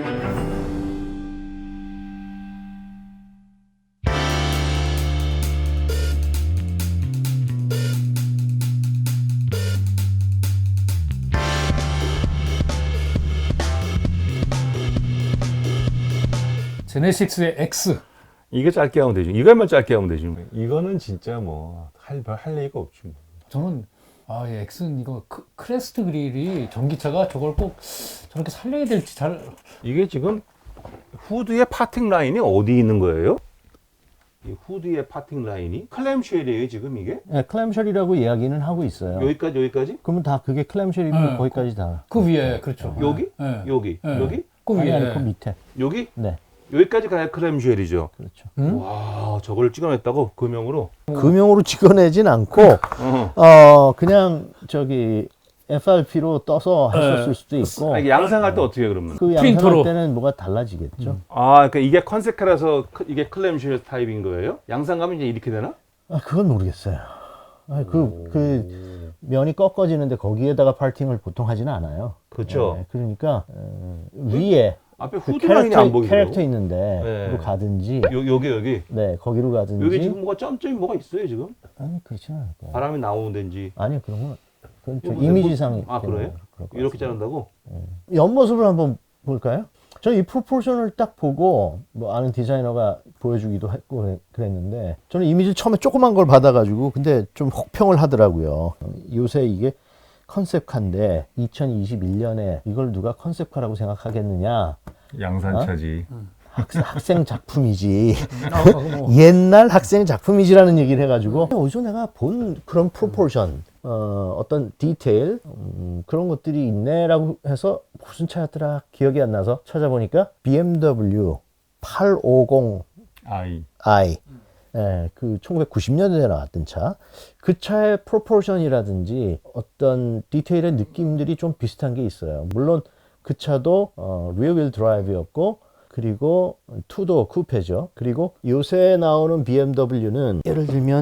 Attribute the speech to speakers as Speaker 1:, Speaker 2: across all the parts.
Speaker 1: 제네시스의 X.
Speaker 2: 이거 짧게 하면 되지. 이것만 짧게 하면 되지. 이거는 진짜 뭐 할 얘기가 없지. 뭐.
Speaker 1: 저는 이 X는 이거 크레스트 그릴이 전기차가 저걸 꼭 저렇게 살려야 될지 잘.
Speaker 2: 이게 지금 후드의 파팅 라인이 어디 있는 거예요? 이 후드의 파팅 라인이 클램쉘이에요 지금 이게?
Speaker 3: 네, 클램쉘이라고 이야기는 하고 있어요.
Speaker 2: 여기까지?
Speaker 3: 그러면 다 그게 클램쉘이면 거기까지 다.
Speaker 1: 그 위에 그렇죠.
Speaker 2: 여기?
Speaker 1: 네.
Speaker 2: 여기?
Speaker 1: 네.
Speaker 2: 여기?
Speaker 1: 그
Speaker 3: 아니,
Speaker 1: 위에.
Speaker 3: 그 밑에.
Speaker 2: 여기?
Speaker 3: 네,
Speaker 2: 여기까지 가야 클램쉘이죠.
Speaker 3: 그렇죠.
Speaker 2: 와, 저걸 찍어냈다고 금형으로?
Speaker 3: 금형으로 찍어내진 않고 그냥 저기 FRP로 떠서 했었을 수도 있고.
Speaker 2: 이게 양상할 때 어떻게 해, 그러면?
Speaker 3: 그
Speaker 1: 프린터로.
Speaker 3: 양상할 때는 뭐가 달라지겠죠.
Speaker 2: 그러니까 이게 컨셉카라서 이게 클램쉘 타입인 거예요? 양상가면 이제 이렇게 되나?
Speaker 3: 그건 모르겠어요. 그 면이 꺾어지는데 거기에다가 파팅을 보통 하지는 않아요.
Speaker 2: 그렇죠.
Speaker 3: 네, 그러니까 위에
Speaker 2: 앞에
Speaker 3: 그
Speaker 2: 후드 라인이 안 보이더라고.
Speaker 3: 캐릭터 있는데
Speaker 2: 네.
Speaker 3: 거기로 가든지.
Speaker 2: 여기.
Speaker 3: 네, 거기로 가든지.
Speaker 2: 여기 지금 뭐가 점점이 뭐가 있어요 지금?
Speaker 3: 아니 그렇지는 않을 거예요.
Speaker 2: 바람이 나오는 데인지.
Speaker 3: 아니 그런 건 그건 좀
Speaker 2: 이거
Speaker 3: 이미지상.
Speaker 2: 그래요?
Speaker 3: 그럴 것
Speaker 2: 이렇게
Speaker 3: 같습니다.
Speaker 2: 자른다고?
Speaker 3: 옆모습을 한번 볼까요? 저는 이 프로포션을 딱 보고 뭐 아는 디자이너가 보여주기도 했고 그랬는데 저는 이미지를 처음에 조그만 걸 받아가지고 근데 좀 혹평을 하더라고요. 요새 이게 컨셉카인데 2021년에 이걸 누가 컨셉카라고 생각하겠느냐.
Speaker 2: 양산차지.
Speaker 3: 학생 작품이지.
Speaker 1: 뭐.
Speaker 3: 옛날 학생 작품이지라는 얘기를 해가지고 어디서 내가 본 그런 프로포션 어떤 디테일 그런 것들이 있네라고 해서 무슨 차였더라 기억이 안 나서 찾아보니까 BMW 850i 그 1990년대에 나왔던 차. 그 차의 프로포션이라든지 어떤 디테일의 느낌들이 좀 비슷한 게 있어요. 물론 그 차도 리어휠 드라이브였고 그리고 투도어 쿠페죠. 그리고 요새 나오는 BMW는 예를 들면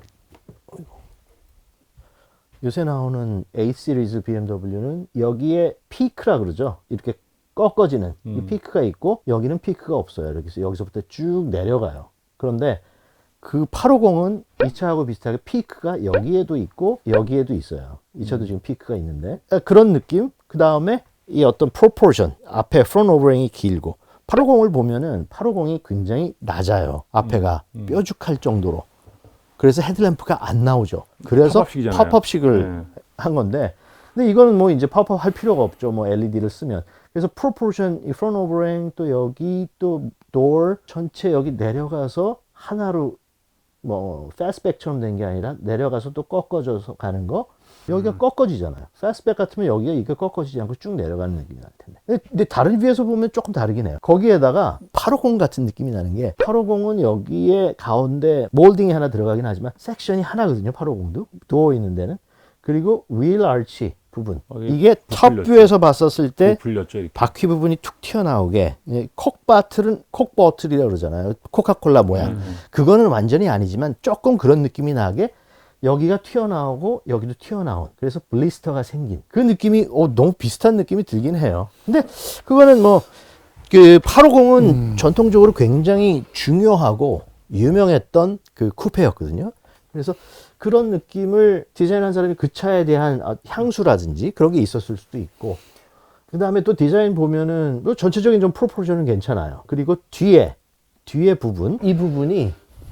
Speaker 3: 요새 나오는 A 시리즈 BMW는 여기에 피크라 그러죠. 이렇게 꺾어지는 이 피크가 있고 여기는 피크가 없어요. 이렇게 여기서부터 쭉 내려가요. 그런데 그 850은 이 차하고 비슷하게 피크가 여기에도 있고 여기에도 있어요. 이 차도 지금 피크가 있는데 그런 느낌. 그 다음에 이 어떤 프로포션 앞에 프론트 오버행이 길고 850을 보면은 850이 굉장히 낮아요. 앞에가 뾰족할 정도로. 그래서 헤드램프가 안 나오죠. 그래서
Speaker 2: 팝업식이잖아요.
Speaker 3: 팝업식을 한 건데, 근데 이거는 뭐 이제 팝업 할 필요가 없죠. 뭐 LED를 쓰면. 그래서 프로포션, 이 프론트 오버행 또 여기 또 도어 전체 여기 내려가서 하나로 뭐 패스트백처럼 된 게 아니라 내려가서 또 꺾어져서 가는 거. 여기가 꺾어지잖아요. 패스트백 같으면 여기가 이게 꺾어지지 않고 쭉 내려가는 느낌이 날 텐데. 근데 다른 뷰에서 보면 조금 다르긴 해요. 거기에다가 850 같은 느낌이 나는 게 850은 여기에 가운데 몰딩이 하나 들어가긴 하지만 섹션이 하나거든요. 850도. 도어 있는 데는. 그리고 휠 아치 부분. 이게 탑 뷰에서 봤었을 때
Speaker 2: 풀렸죠, 이렇게.
Speaker 3: 바퀴 부분이 툭 튀어나오게 콕버틀이라고 그러잖아요. 코카콜라 모양. 그거는 완전히 아니지만 조금 그런 느낌이 나게 여기가 튀어나오고 여기도 튀어나온 그래서 블리스터가 생긴 그 느낌이 너무 비슷한 느낌이 들긴 해요. 근데 그거는 뭐 그 850은 전통적으로 굉장히 중요하고 유명했던 그 쿠페였거든요. 그래서 그런 느낌을 디자인한 사람이 그 차에 대한 향수라든지 그런 게 있었을 수도 있고 그 다음에 또 디자인 보면은 또 전체적인 좀 프로포션은 괜찮아요. 그리고 뒤에 부분 이 부분이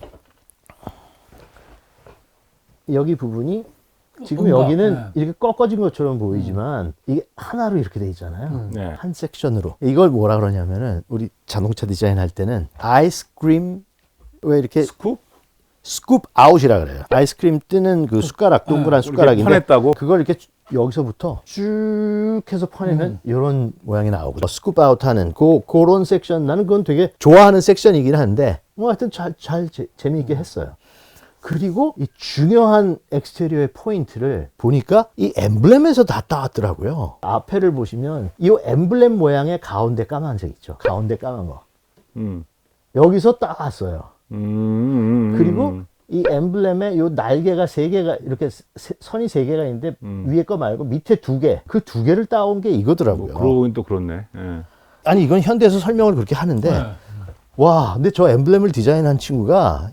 Speaker 3: 여기 부분이 지금 여기는 이렇게 꺾어진 것처럼 보이지만 이게 하나로 이렇게 돼 있잖아요.
Speaker 2: 네.
Speaker 3: 한 섹션으로. 이걸 뭐라 그러냐면은 우리 자동차 디자인 할 때는 아이스크림 왜 이렇게 스쿱 아웃이라 그래요. 아이스크림 뜨는 그 숟가락 동그란 숟가락인데
Speaker 2: 퍼냈다고?
Speaker 3: 그걸 이렇게 여기서부터 쭉 해서 퍼내면 이런 모양이 나오고 스쿱 아웃 하는 그런 섹션 나는 그건 되게 좋아하는 섹션이긴 한데 뭐 하여튼 잘 재미있게 했어요. 그리고 이 중요한 엑스테리어의 포인트를 보니까 이 엠블렘에서 다 따왔더라고요. 앞에를 보시면 이 엠블렘 모양의 가운데 까만색 있죠. 가운데 까만 거. 여기서 따왔어요. 그리고 이 엠블렘에 요 날개가 3개가 이렇게 선이 3개가 있는데 위에 거 말고 밑에 2개. 그 2개를 따온 게 이거더라고요.
Speaker 2: 그러긴 또 그렇네. 예.
Speaker 3: 아니 이건 현대에서 설명을 그렇게 하는데
Speaker 1: 네.
Speaker 3: 와, 근데 저 엠블렘을 디자인한 친구가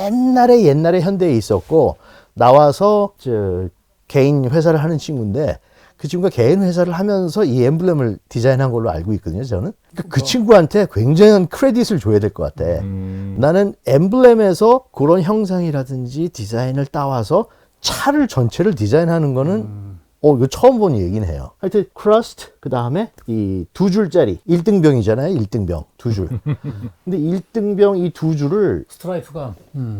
Speaker 3: 옛날에 현대에 있었고 나와서 저 개인 회사를 하는 친구인데 그 친구가 개인 회사를 하면서 이 엠블렘을 디자인한 걸로 알고 있거든요, 저는. 그러니까 그 친구한테 굉장한 크레딧을 줘야 될 것 같아. 나는 엠블렘에서 그런 형상이라든지 디자인을 따와서 차를 전체를 디자인하는 거는 이거 처음 본 얘기는 해요. 하여튼 크러스트 그 다음에 이 2줄짜리 1등병이잖아요. 1등병 2줄. 근데 1등병 이 2줄을
Speaker 1: 스트라이프가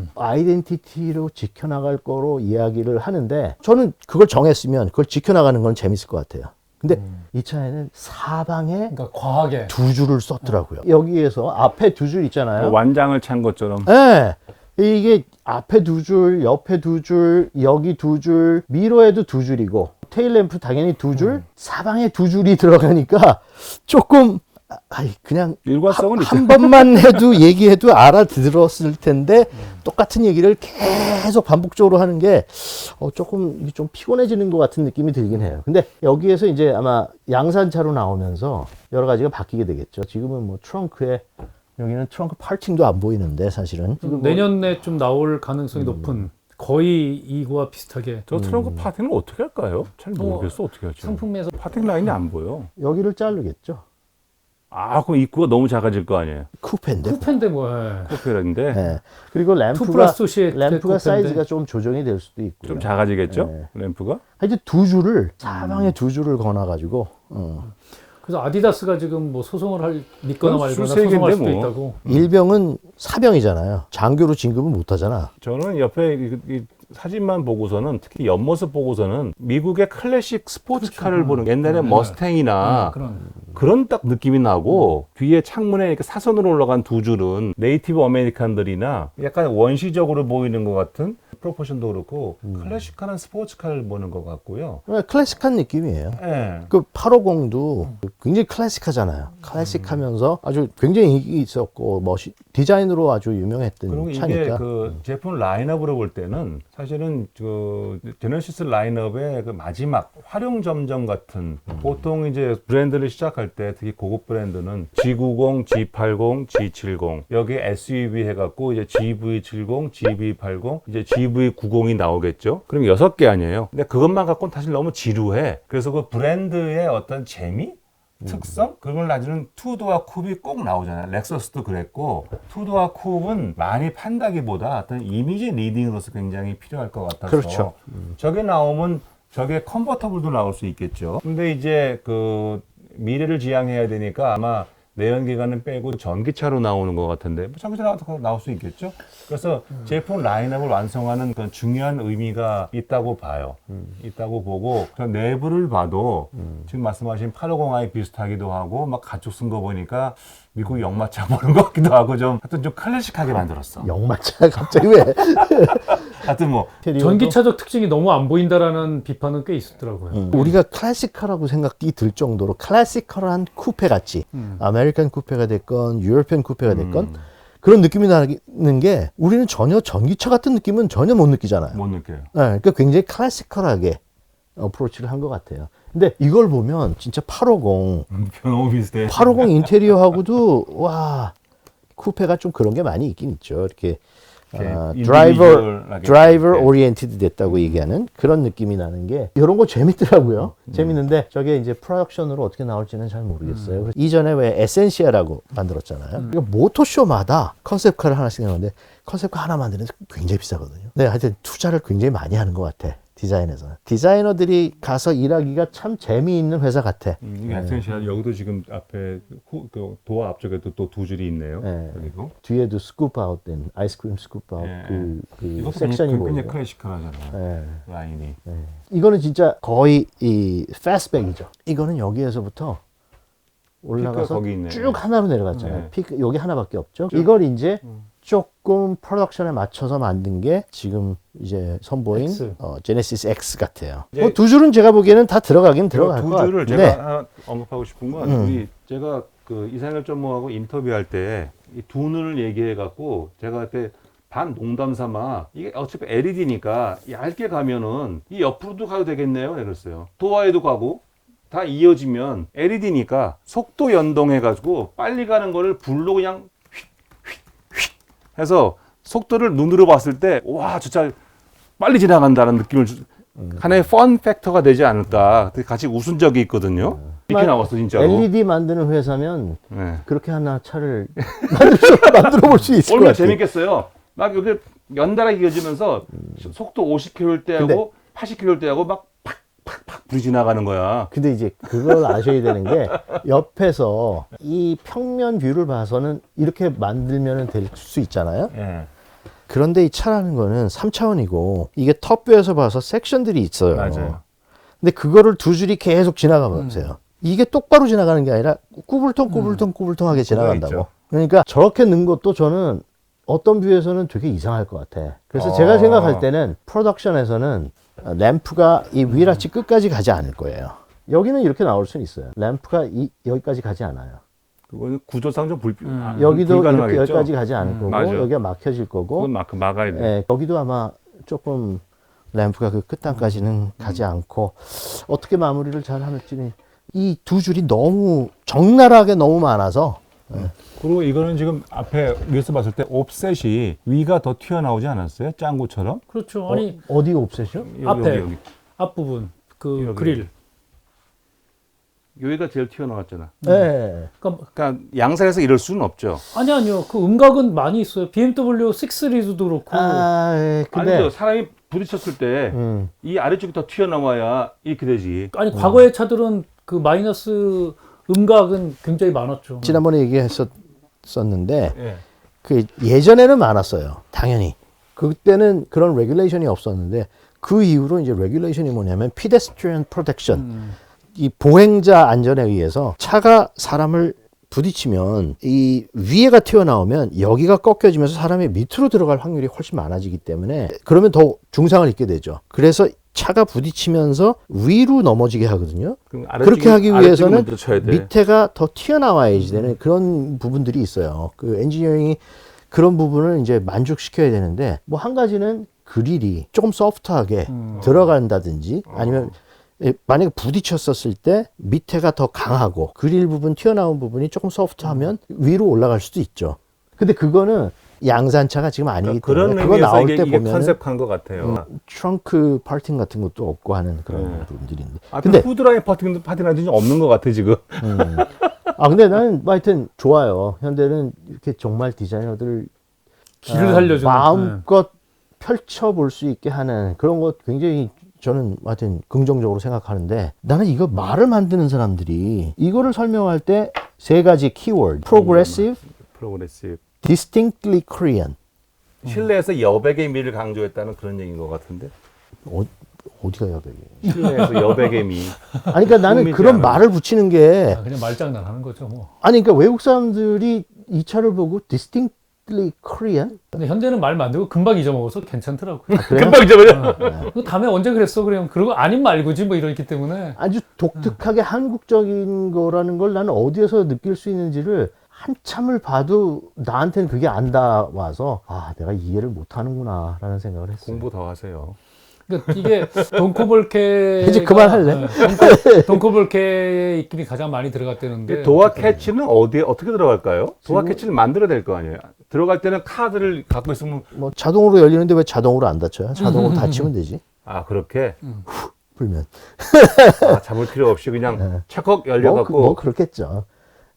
Speaker 3: 아이덴티티로 지켜나갈 거로 이야기를 하는데 저는 그걸 정했으면 그걸 지켜나가는 건 재밌을 것 같아요. 근데 이 차에는 사방에
Speaker 1: 그러니까 과하게
Speaker 3: 2줄을 썼더라고요. 여기에서 앞에 2줄 있잖아요.
Speaker 2: 완장을 찬 것처럼.
Speaker 3: 네. 이게 앞에 2줄, 옆에 2줄, 여기 2줄, 미러에도 2줄이고 테일램프 당연히 2줄, 사방에 2줄이 들어가니까 조금 그냥
Speaker 2: 일관성은
Speaker 3: 한 번만 해도 얘기해도 알아들었을 텐데 똑같은 얘기를 계속 반복적으로 하는 게 조금 좀 피곤해지는 것 같은 느낌이 들긴 해요. 근데 여기에서 이제 아마 양산차로 나오면서 여러 가지가 바뀌게 되겠죠. 지금은 뭐 트렁크에 여기는 트렁크 파킹도 안 보이는데 사실은
Speaker 1: 내년에 좀 나올 가능성이 높은 거의 이거와 비슷하게
Speaker 2: 저 트렁크 파팅을 어떻게 할까요? 잘 모르겠어. 어떻게 하죠?
Speaker 1: 상품에서
Speaker 2: 파팅 라인이 안 보여.
Speaker 3: 여기를 자르겠죠.
Speaker 2: 아, 그럼 입구가 너무 작아질 거 아니에요?
Speaker 3: 쿠페인데.
Speaker 1: 쿠페인데 뭐 예.
Speaker 2: 코페라인데
Speaker 3: 네. 그리고
Speaker 1: 플러스 시
Speaker 3: 램프가 사이즈가 좀 조정이 될 수도 있고요.
Speaker 2: 좀 작아지겠죠?
Speaker 3: 네.
Speaker 2: 램프가?
Speaker 3: 하여튼 2줄을 사방에 2줄을 거놔가지고
Speaker 1: 그래서 아디다스가 지금 뭐 소송을 믿거나 말거나
Speaker 2: 수세계인데
Speaker 1: 소송할 수도
Speaker 2: 뭐.
Speaker 1: 있다고.
Speaker 3: 일병은 사병이잖아요. 장교로 진급은 못하잖아.
Speaker 2: 저는 옆에 이 사진만 보고서는 특히 옆모습 보고서는 미국의 클래식 스포츠카를 보는 옛날에 머스탱이나 그런 딱 느낌이 나고 뒤에 창문에 이렇게 사선으로 올라간 2줄은 네이티브 아메리칸들이나 약간 원시적으로 보이는 것 같은 프로포션도 그렇고 클래식한 스포츠카를 보는 것 같고요.
Speaker 3: 클래식한 느낌이에요.
Speaker 2: 예.
Speaker 3: 그 850도 굉장히 클래식하잖아요. 클래식하면서 아주 굉장히 인기 있었고 디자인으로 아주 유명했던
Speaker 2: 그리고 이게
Speaker 3: 차니까.
Speaker 2: 그 제품 라인업으로 볼 때는 사실은 그 제네시스 라인업의 그 마지막 활용 점정 같은 보통 이제 브랜드를 시작할 때 특히 고급 브랜드는 G90, G80, G70 여기에 SUV 해갖고 이제 GV70, GV80 이제 GV90이 나오겠죠. 그럼 6개 아니에요. 근데 그것만 갖고는 사실 너무 지루해. 그래서 그 브랜드의 어떤 재미? 특성? 그런 걸 가지는 투도어 쿱이 꼭 나오잖아요. 렉서스도 그랬고 투도어 쿱은 많이 판다기보다 어떤 이미지 리딩으로서 굉장히 필요할 것 같아서
Speaker 3: 그렇죠.
Speaker 2: 저게 나오면 저게 컨버터블도 나올 수 있겠죠. 근데 이제 그 미래를 지향해야 되니까 아마 내연기관은 빼고 전기차로 나오는 것 같은데 뭐 전기차 나올 수 있겠죠. 그래서 제품 라인업을 완성하는 그런 중요한 의미가 있다고 봐요. 있다고 보고 저 내부를 봐도 지금 말씀하신 850i 비슷하기도 하고 막 가죽 쓴 거 보니까 미국 역마차 보는 것 같기도 하고 좀 하여튼 좀 클래식하게 만들었어.
Speaker 3: 역마차 갑자기 왜?
Speaker 2: 하여튼 뭐
Speaker 1: 전기차적 특징이 너무 안 보인다라는 비판은 꽤 있었더라고요.
Speaker 3: 우리가 클래식카라고 생각이 들 정도로 클래시컬한 쿠페 같이 아메리칸 쿠페가 됐건 유러피안 쿠페가 됐건 그런 느낌이 나는 게 우리는 전혀 전기차 같은 느낌은 전혀 못 느끼잖아요.
Speaker 2: 못 느껴요.
Speaker 3: 네, 그러니까 굉장히 클래시컬하게 어프로치를 한 것 같아요. 근데 이걸 보면 진짜 850
Speaker 2: 너무 비슷해.
Speaker 3: 850 인테리어하고도 와 쿠페가 좀 그런 게 많이 있긴 있죠. 이렇게 드라이버 오리엔티드 됐다고 얘기하는 그런 느낌이 나는 게 이런 거 재밌더라고요. 재밌는데 저게 이제 프로덕션으로 어떻게 나올지는 잘 모르겠어요. 그래서 이전에 왜 에센시아라고 만들었잖아요. 이거 모토쇼마다 컨셉카를 하나씩 내는데 컨셉카 하나 만드는 데 굉장히 비싸거든요. 네, 하여튼 투자를 굉장히 많이 하는 것 같아. 디자인에서는. 디자이너들이 가서 일하기가 참 재미있는 회사 같아.
Speaker 2: 이게 에센시아 여기도 지금 앞에 그 도어 앞쪽에도 또 2줄이 있네요.
Speaker 3: 네.
Speaker 2: 그리고
Speaker 3: 뒤에도 스쿱 아웃된 아이스크림 스쿱 아웃
Speaker 2: 예,
Speaker 3: 그
Speaker 2: 이거
Speaker 3: 섹션이
Speaker 2: 굉장히
Speaker 3: 보이고.
Speaker 2: 클래식하잖아요.
Speaker 3: 네.
Speaker 2: 라인이.
Speaker 3: 이거는 진짜 거의 이 패스트백이죠. 이거는 여기에서부터 올라가서
Speaker 2: 거기 있네.
Speaker 3: 쭉 하나로 내려갔잖아요.
Speaker 2: 네.
Speaker 3: 피크 여기 하나밖에 없죠. 이걸 이제 조금 프로덕션에 맞춰서 만든 게 지금 이제 선보인
Speaker 1: X.
Speaker 3: 제네시스 X 같아요.
Speaker 2: 이제
Speaker 3: 두 줄은 제가 보기에는 다 들어가긴 들어갈 것
Speaker 2: 2줄을
Speaker 3: 같은데.
Speaker 2: 제가 하나 언급하고 싶은 건 우리 제가 그 이상열 전무하고 인터뷰할 때 이 두 눈을 얘기해 갖고 제가 그때 반 농담 삼아 이게 어차피 LED니까 얇게 가면은 이 옆으로도 가도 되겠네요. 이랬어요. 도화에도 가고 다 이어지면 LED니까 속도 연동해가지고 빨리 가는 거를 불로 그냥 휙휙휙 해서 속도를 눈으로 봤을 때 와, 저 차 빨리 지나간다는 느낌을 하나의 펀 팩터가 되지 않을까. 같이 웃은 적이 있거든요. 이렇게 나왔어 진짜로.
Speaker 3: LED 만드는 회사면
Speaker 2: 네.
Speaker 3: 그렇게 하나 차를 만들어 볼 수 있을 것
Speaker 2: 얼마나
Speaker 3: 같아요.
Speaker 2: 재밌겠어요. 막 여기 연달아 이어지면서 속도 50km일 때하고 80km일 때하고 막 팍팍팍 불이 지나가는 거야.
Speaker 3: 근데 이제 그걸 아셔야 되는 게 옆에서 이 평면 뷰를 봐서는 이렇게 만들면 될 수 있잖아요.
Speaker 2: 예.
Speaker 3: 그런데 이 차라는 거는 3차원이고 이게 톱뷰에서 봐서 섹션들이 있어요.
Speaker 2: 맞아요.
Speaker 3: 근데 그거를 두 줄이 계속 지나가 보세요. 이게 똑바로 지나가는 게 아니라 꾸불통꾸불통하게 지나간다고.
Speaker 2: 있죠.
Speaker 3: 그러니까 저렇게 넣은 것도 저는 어떤 뷰에서는 되게 이상할 것 같아. 그래서
Speaker 2: 아.
Speaker 3: 제가 생각할 때는 프로덕션에서는 램프가 이 위라치 끝까지 가지 않을 거예요. 여기는 이렇게 나올 수는 있어요. 램프가 여기까지 가지 않아요.
Speaker 2: 그거는 구조상 좀
Speaker 3: 여기도 이렇게
Speaker 2: 불가능하겠죠?
Speaker 3: 여기까지 가지 않을 거고
Speaker 2: 맞아요.
Speaker 3: 여기가 막혀질 거고
Speaker 2: 그건 막아야 돼.
Speaker 3: 예, 여기도 아마 조금 램프가 그 끝단까지는 가지 않고 어떻게 마무리를 잘 할지는 이 두 줄이 너무 적나라하게 너무 많아서
Speaker 2: 그리고 이거는 지금 앞에 위에서 봤을 때 옵셋이 위가 더 튀어나오지 않았어요? 짱구처럼?
Speaker 1: 그렇죠. 아니
Speaker 3: 어디 옵셋이요?
Speaker 1: 앞에.
Speaker 2: 여기.
Speaker 1: 앞부분 그
Speaker 2: 여기.
Speaker 1: 그릴.
Speaker 2: 여기가 제일 튀어나왔잖아.
Speaker 3: 네.
Speaker 2: 그러니까 양산에서 이럴 수는 없죠.
Speaker 1: 아니요. 그 음각은 많이 있어요. BMW 6 시리즈도 그렇고.
Speaker 3: 예, 근데
Speaker 2: 아니죠. 사람이 부딪혔을 때 이
Speaker 3: 음.
Speaker 2: 아래쪽이 더 튀어나와야 이렇게 되지.
Speaker 1: 아니 과거의 차들은 그 마이너스 음각은 굉장히 많았죠.
Speaker 3: 지난번에 얘기했었는데
Speaker 2: 예.
Speaker 3: 그 예전에는 많았어요. 당연히. 그때는 그런 레귤레이션이 없었는데 그 이후로 이제 레귤레이션이 뭐냐면 pedestrian protection. 이 보행자 안전에 의해서 차가 사람을 부딪히면 이 위에가 튀어나오면 여기가 꺾여지면서 사람이 밑으로 들어갈 확률이 훨씬 많아지기 때문에 그러면 더 중상을 입게 되죠. 그래서 차가 부딪히면서 위로 넘어지게 하거든요.
Speaker 2: 그럼
Speaker 3: 그렇게 하기 위해서는
Speaker 2: 먼저 쳐야 돼.
Speaker 3: 밑에가 더 튀어나와야지 되는 그런 부분들이 있어요. 그 엔지니어링이 그런 부분을 이제 만족시켜야 되는데 뭐 한 가지는 그릴이 조금 소프트하게 들어간다든지 아니면 만약에 부딪혔었을 때 밑에가 더 강하고 그릴 부분 튀어나온 부분이 조금 소프트하면 위로 올라갈 수도 있죠. 근데 그거는 양산차가 지금 아니기
Speaker 2: 그런
Speaker 3: 때문에 그거
Speaker 2: 의미에서
Speaker 3: 나올
Speaker 2: 이게,
Speaker 3: 때
Speaker 2: 이게
Speaker 3: 보면
Speaker 2: 컨셉한 것 같아요.
Speaker 3: 트렁크 파팅 같은 것도 없고 하는 그런 부분들인데.
Speaker 2: 앞에
Speaker 3: 근데
Speaker 2: 후드라인 파팅이 없는 것 같아 지금.
Speaker 3: 근데 나는 하여튼 좋아요. 현대는 이렇게 정말 디자이너들을
Speaker 1: 길을 살려주는.
Speaker 3: 마음껏 펼쳐볼 수 있게 하는 그런 것 굉장히 저는 하여튼 긍정적으로 생각하는데 나는 이거 말을 만드는 사람들이 이거를 설명할 때 세 가지 키워드 progressive,
Speaker 2: 프로그레시브.
Speaker 3: distinctly Korean
Speaker 2: 실내에서 여백의 미를 강조했다는 그런 얘기인 것 같은데.
Speaker 3: 어디가 여백이
Speaker 2: 실내에서 여백의 미.
Speaker 3: 아니 그러니까 나는
Speaker 2: 꾸미지
Speaker 3: 그런
Speaker 2: 않은.
Speaker 3: 말을 붙이는 게
Speaker 1: 그냥 말장난 하는 거죠, 뭐.
Speaker 3: 아니 그러니까 외국 사람들이 이 차를 보고 distinctly Korean
Speaker 1: 근데 현대는 말 만들고 금방 잊어먹어서 괜찮더라고요.
Speaker 2: 금방 잊어버려.
Speaker 1: 그 다음에 언제 그랬어? 그러면 그러고 아닌 말고지 뭐 이러기 때문에.
Speaker 3: 아주 독특하게 한국적인 거라는 걸 나는 어디에서 느낄 수 있는지를 한참을 봐도 나한테는 그게 안 닿아와서 내가 이해를 못하는구나 라는 생각을 했어요.
Speaker 2: 공부 더 하세요.
Speaker 1: 그러니까 이게 돈코볼케
Speaker 3: 이제 그만할래?
Speaker 1: 돈코볼케의 입김이 가장 많이 들어갔다는데
Speaker 2: 도어 캐치는 어떻게 들어갈까요? 도어 캐치를 만들어야 될 거 아니에요. 들어갈 때는 카드를 갖고 있으면
Speaker 3: 뭐 자동으로 열리는데 왜 자동으로 안 닫혀요? 자동으로 닫히면 되지.
Speaker 2: 그렇게
Speaker 3: 불면.
Speaker 2: 잡을 필요 없이 그냥 척컥 열려갖고
Speaker 3: 뭐 그렇겠죠.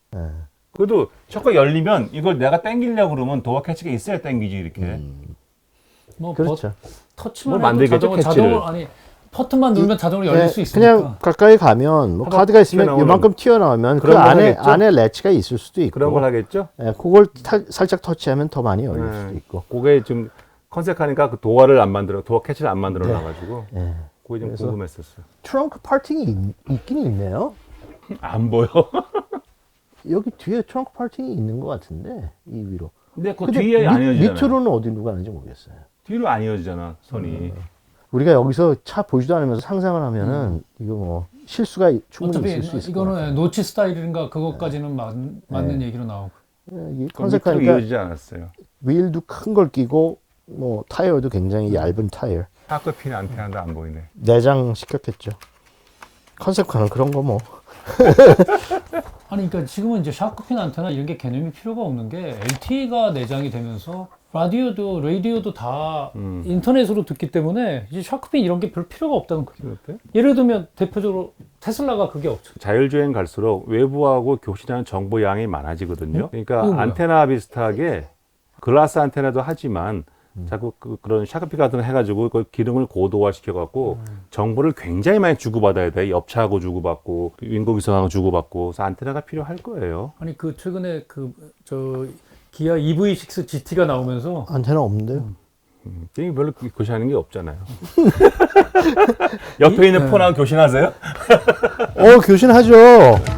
Speaker 2: 그래도 척컥 열리면 이걸 내가 당기려고 그러면 도어 캐치가 있어야 당기지 이렇게.
Speaker 1: 뭐
Speaker 3: 그렇죠.
Speaker 1: 터치만
Speaker 2: 뭐 만들겠죠,
Speaker 1: 해도 자동으로 아니 버튼만 누르면 자동으로 열릴 수 있으니까.
Speaker 3: 그냥 가까이 가면 뭐
Speaker 2: 한번
Speaker 3: 카드가 있으면
Speaker 2: 튀어나오는
Speaker 3: 이만큼 튀어나오면 그
Speaker 2: 그런 걸
Speaker 3: 안에
Speaker 2: 하겠죠?
Speaker 3: 안에 래치가 있을 수도 있고.
Speaker 2: 그런 걸 하겠죠?
Speaker 3: 그걸 살짝 터치하면 더 많이 열릴 수도 있고.
Speaker 2: 그게 좀 컨셉하니까 그 도어 캐치를 안 만들어 놔가지고
Speaker 3: 예.
Speaker 2: 그게 좀
Speaker 3: 그래서-
Speaker 2: 궁금했었어요.
Speaker 3: 트렁크 파팅이 있긴 있네요.
Speaker 2: 안 보여.
Speaker 3: 여기 뒤에 트렁크 파팅이 있는 것 같은데 이 위로.
Speaker 2: 근데 그
Speaker 3: 근데
Speaker 2: 뒤에 안 이어지잖아.
Speaker 3: 밑으로는 어디로 가는지 모르겠어요.
Speaker 2: 뒤로 안 이어지잖아 손이.
Speaker 3: 우리가 여기서 차 보지도 않으면서 상상을 하면은 이거 뭐 실수가 충분히
Speaker 1: 어차피
Speaker 3: 있을 수 있을 것 같아요.
Speaker 1: 이거는 노치 스타일인가 그것까지는 맞는 얘기로 나오고.
Speaker 3: 이
Speaker 2: 밑으로
Speaker 3: 컨셉하니까
Speaker 2: 이어지지 않았어요.
Speaker 3: 휠도 큰 걸 끼고 뭐 타이어도 굉장히 얇은 타이어.
Speaker 2: 파크핀 안테나도 안 보이네.
Speaker 3: 내장 시켰겠죠. 컨셉카는 그런 거 뭐.
Speaker 1: 아니 그러니까 지금은 이제 샤크핀 안테나 이런 게 개념이 필요가 없는 게 LTE가 내장이 되면서 라디오도 다 인터넷으로 듣기 때문에 이제 샤크핀 이런 게 별 필요가 없다는 거죠.
Speaker 2: 어때?
Speaker 1: 예를 들면 대표적으로 테슬라가 그게 없죠.
Speaker 2: 자율주행 갈수록 외부하고 교신하는 정보 양이 많아지거든요.
Speaker 1: 이거
Speaker 2: 그러니까
Speaker 1: 뭐야?
Speaker 2: 안테나 비슷하게 글라스 안테나도 하지만 자꾸 그런 샤크피 같은 거 해가지고 그 기능을 고도화 시켜갖고 정보를 굉장히 많이 주고받아야 돼. 엽차하고 주고받고 인공위성하고 주고받고 그래서 안테나가 필요할 거예요.
Speaker 1: 아니 그 최근에 기아 EV6 GT가 나오면서
Speaker 3: 안테나 없는데요.
Speaker 2: 이게 별로 교신하는 게 없잖아요. 옆에 있는 폰하고 교신하세요?
Speaker 3: 교신하죠.